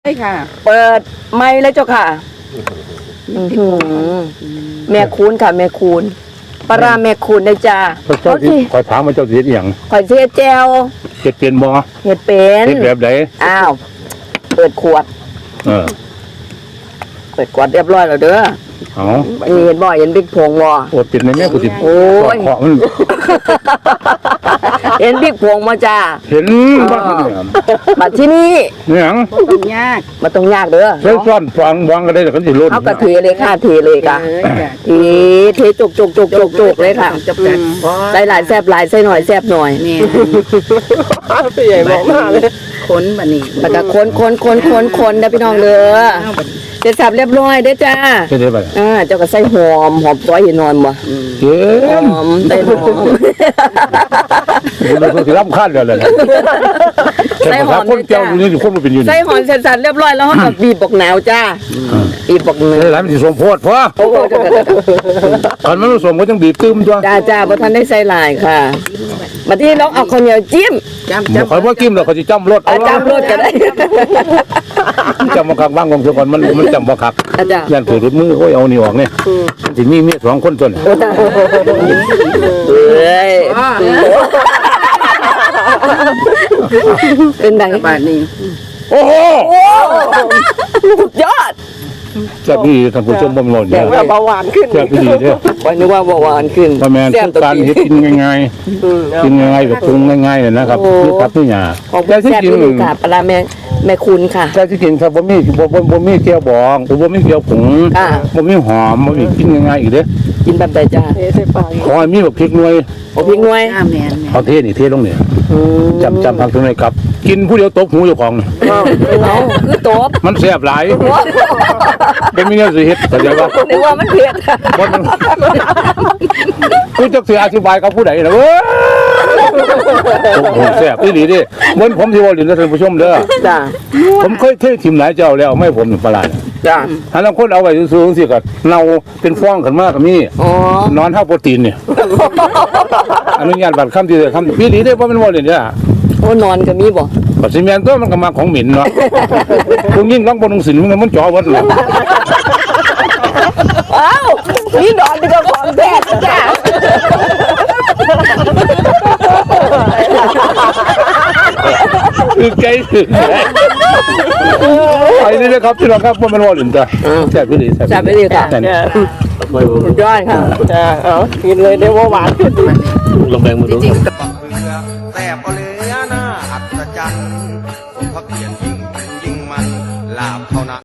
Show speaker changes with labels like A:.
A: ช่ค่ะ
B: เปิดไมค์เลยเจ้าค่ะแม่คูณค่ะแม่คูณปลาแม่คูณได้จ้า
C: เจ้าที่คอยถามว่าเจ้าเสียอย่าง
B: ข่อยเสียแจว
C: เฮ็ดเป็นบ่
B: เฮ็ดเป็น
C: เฮ็ดแบบไหน
B: อ้าวเปิดขวดเปิดขวดเรียบร้อยแล้วเด้อเห็นบ่เห็นบิ๊กพงบ่
C: โอ้เป็นในแม่กูสิ
B: โอ้ยเห็นบิ๊กพงมาจ้า
C: เห็นบ้านเนี่ย
B: มาที่นี่
C: เนี่ย
A: ต้องยาก
B: มาต้องยากเด้อ
C: ใช้ซ่อนฟังวางก็ได้แต่กันสิลุ้น
B: เอากระเทเลยค่ะเทเลยค่ะเทจุกเลยค่ะใส่หลายแซ่บหลายใส่หน่อยแซ่บหน่อย
A: เนี่ยพี่ใหญ่บอกมากเลยค้นบันนี้
B: แล้วก็คนนะพี่น้องเด้อเสร็จสับเรียบร้อยเด้อจ้า
C: ใช่ได้ป่ะ
B: เจ้าก็ใส่หอมซอยเห็นนอนบ่หอมใส่หอม
C: มันคือรำคาญกันเลยใส่หอมคนเจ้าอยู่นี่คนมันเป็นอยู่
B: ใส่หอมเสร็จสับเรียบร้อยแล้วก็บีบบอกหนาวจ้าบีบบอกหนาว
C: แล้วมันสิสมโพธิพอตอนมันผสมก็ต้องบีบตื้มจ้า
B: จ้าบ่ทันได้ใส่ลายค่ะมาที่น้องเอาข้าวเหนียวจิ้ม
C: คอยว่ากิ้มแล้วเขาจะจำรถ
B: จำรถก็ได้
C: จำมาคักบ้างของเจ้าก่อนมันจำมาคักยันถือรถมือโอ้ยเอานี่ออกเนี่ยที่นี่มี2 คนจน
B: เป็นไง
A: บาทนี้
C: โอ้โห
B: สุดยอด
C: แซ่บพี่ท่านผู้ชมบ่มหล่นเนี่ย
B: เบาหวานขึ้น
C: แซ่บพี่เด้อ
B: วันนี้ว่าเบาหวานขึ้น
C: ประมาณทุกการเฮ็ดกินง่ายๆกินง่ายๆแบบปรุงง่ายๆเลยนะครับนี่ครับนี่หยา
B: แต่ที่กินค่ะปลาแม่คุณค่ะ
C: แต่ที่กินครับบ่มีเกี๊ยวบองบ่มีเกี๊ยวผงบ่มีหอมบ่มีกินง่ายๆอีกเด้อ
B: กินแบบใดจ้า
C: ขอมีแบบพริกหน่วย
B: พริกหน่วย
C: เอาเทนี่เทลงนี่จำพักตรงไหนครับกินผู้เดียวตบหูเจ้าของ
B: เอาคือตบ
C: มันแซ่บหลายเป็นมีแนวสิเฮ็ดเข้าใจบ่
B: นึกว่ามันเผ็ด
C: กูจะสิอธิบายกับผู้ใดล่ะเว้ยผมแซ่บอีหลีดิเหมือนผมที่ว่าเรียนท่านผู้ชมเด้อ
B: จ้า
C: ผมเคยทิมหลายเจ้าแล้วไม่ผมปลา
B: จ้า
C: ถ้าเราคนเอาไว้สูงสิก็เน่าเป็นฟองขึ้นมาก็มีนอนเท่าโปรตีนเนี่ยอนุญาตบัตรคำที่คำพี่หลีได้เพราะมันว่าเรียนเนี่ย
B: โอ้นอนก็มีบ่
C: ปัจจุบันตัวมันก็มาของหมิ่นเนาะคุณยิ่งร้องบนหนังสือมันจ่อวัดเลย
B: อ้าวนี่นอนเป็นของแท้จ้า
C: คือใจถึงไอ้นี่นะครับที่เราครับว่ามันว่าหลินจ้ะแซ่บพี่หลี
B: แซ่บพี่หลีค่ะสุดยอดค่ะกินเลยได้ว่าหวานขึ้น
C: ลงแบงมาดู
D: แต่พอเหลือหน้าอัศจรรย์สมพระเกียรติยิ่งมันลาบเท่านั้น